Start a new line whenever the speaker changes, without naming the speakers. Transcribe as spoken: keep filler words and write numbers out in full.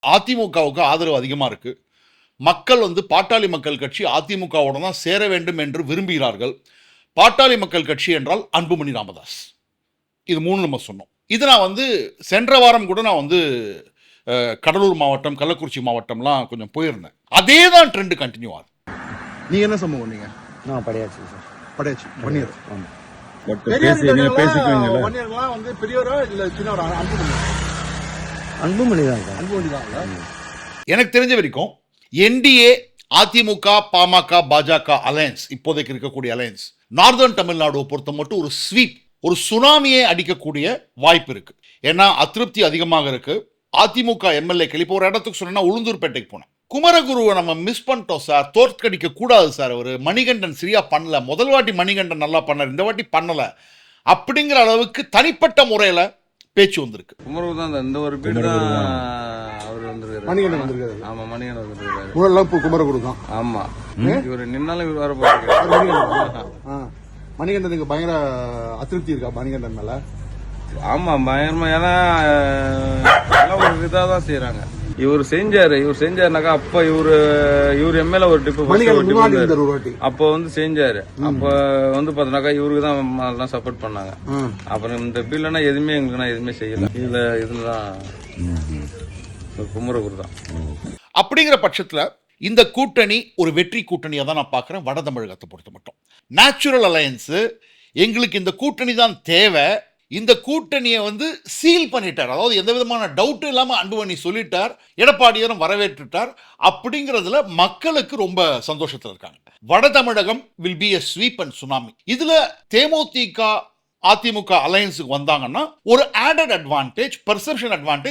அதிமுகவுக்கு ஆதரவு அதிகமாக இருக்குது. மக்கள் வந்து பாட்டாளி மக்கள் கட்சி அதிமுகவோட தான் சேர வேண்டும் என்று விரும்புகிறார்கள். பாட்டாளி மக்கள் கட்சி என்றால் அன்புமணி ராமதாஸ். இது மூணு நம்ம சொன்னோம். இது நான் வந்து சென்ற வாரம் கூட நான் வந்து கடலூர் மாவட்டம், கள்ளக்குறிச்சி மாவட்டம்லாம் கொஞ்சம் போயிருந்தேன். அதே தான் ட்ரெண்ட் கண்டினியூ ஆகுது.
நீங்க என்ன சம்பவம்? நீங்க
நான் படையாச்சு சார்.
படையாச்சு வன்னியர்.
வந்து பெரியவரா இல்ல சின்னவரா? அன்புமணி தான் சார். அன்புமணி தான்.
எனக்கு தெரிஞ்ச வரைக்கும் என்டிஏ, அதிமுக, பாமக, பாஜக அலையன்ஸ், இப்போதைக்கு இருக்கக்கூடிய அலையன்ஸ், நார்தர்ன் தமிழ்நாடுவை பொறுத்த மட்டும் ஒரு ஸ்வீப், ஒரு சுனாமியை அடிக்கக்கூடிய வாய்ப்பு இருக்கு. ஏன்னா அதிருப்தி அதிகமாக இருக்கு. அதிமுக எம்எல்ஏக்கள் இப்போ ஒரு இடத்துக்கு சொன்னா உளுந்தூர்பேட்டைக்கு போனேன். குமரகுருவை நம்ம மிஸ் பண்ணிட்டோம் சார், தோற்கடிக்க கூடாது சார், அவர் மணிகண்டன் சரியா பண்ணல, முதல் வாட்டி மணிகண்டன் நல்லா பண்ணார், இந்த வாட்டி பண்ணல அப்படிங்கிற அளவுக்கு தனிப்பட்ட முறையில் பேச்சு வந்திருக்கு.
குமரகுரு தான் இந்த ஒரு பீடு தான் அவர் வந்திருக்காரு.
மணிகண்டன் வந்திருக்காரு.
ஆமா, மணிகண்டன் வந்திருக்காரு.
முதல்ல இப்போ குமரகுரு தான்.
ஆமா, இவர் நின்னாலும் இவர் வர போறாரு.
மணிகண்டனுக்கு பயங்கர அதிருப்தி இருக்கா மணிகண்டன் மேல?
ஆமா, பயங்கரமா. ஏன்னா எல்லாம் ஒரு இதாக தான் செய்யறாங்க. இவர் செஞ்சாரு, இவர் செஞ்சாருனாக்கா அப்ப இவரு இவர் எம்எல்ஏ ஒரு டிப்பு அப்ப வந்து செஞ்சாரு. அப்ப வந்து பாத்தீங்கன்னாக்கா இவருக்கு தான் சப்போர்ட் பண்ணாங்க. அப்புறம் இந்த பில்லுனா எதுவுமே எங்களுக்கு எதுவுமே செய்யல. இதுல இதுலதான் குமரகுரு தான்.
அப்படிங்கிற பட்சத்துல இந்த கூட்டணி ஒரு வெற்றி கூட்டணியா தான் நான் பார்க்கிறேன். வட தமிழகத்தை பொறுத்த மட்டும் நேச்சுரல் அலையன்ஸ், எங்களுக்கு இந்த கூட்டணி தான் தேவை. இந்த கூட்டணியை வந்து சீல் பண்ணிட்டார். அதாவது எந்த விதமான டவுட்டும் இல்லாமல் அன்புமணி சொல்லிட்டார், எடப்பாடியாரும் வரவேற்றுட்டார். அப்படிங்கிறதுல மக்களுக்கு ரொம்ப சந்தோஷத்தில் இருக்காங்க. வட Tamilagam will be a sweep and tsunami. இதுல தேமுதிக, அதிமுக அலையன்ஸுக்கு வந்தாங்கன்னா ஒரு ஆடட் அட்வான்டேஜ், பெர்செப்ஷன் அட்வான்டேஜ்